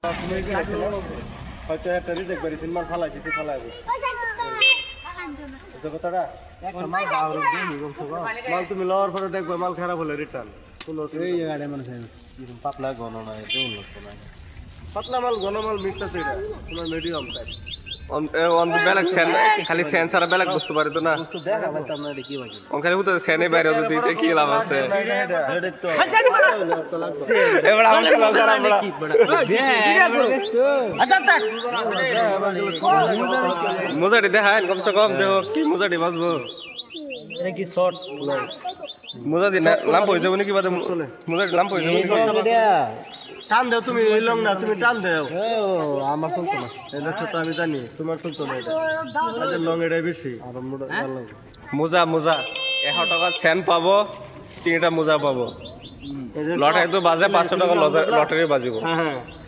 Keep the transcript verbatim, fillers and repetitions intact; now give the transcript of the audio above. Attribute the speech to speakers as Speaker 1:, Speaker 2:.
Speaker 1: হয়তো একটা রিজেক্ট করি তিন মাল ফালাই দিতে ফালাই কথাটা মাল তুমি লওয়ার পরে দেখবো মাল খারাপ হলে রিটার্ন পাতলা ঘন না পাতলা মাল ঘন মাল মিক্স আছে এটা তোমার মিডিয়াম টাইপ
Speaker 2: বেলেগ সেন খালি সেন ছাড়া বেলেগ বস্তু পারে তো না খালি হুতো সেনে বাইরে দিতে কি লাভ আছে এবার আমার লাভ করা বড় মুজাটি দেখায় কমসে কম দেখো কি মুজাটি বাজবো
Speaker 1: এটা কি শর্ট
Speaker 2: মুজাটি লাম্প হয়ে যাবে নাকি বাদে মুজাটি লাম্প হয়ে যাবে
Speaker 1: টান দেও তুমি এই লং না তুমি টান দেও আমার চলতো না এটা তো আমি জানি তোমার চলতো না এটা এটা লং এটাই বেশি আর মোটা ভালো
Speaker 2: মোজা মোজা একশো টাকার সেন পাবো তিনটা মোজা পাবো লটারি তো বাজে পাঁচশো টাকা লটারি বাজিব
Speaker 1: হ্যাঁ হ্যাঁ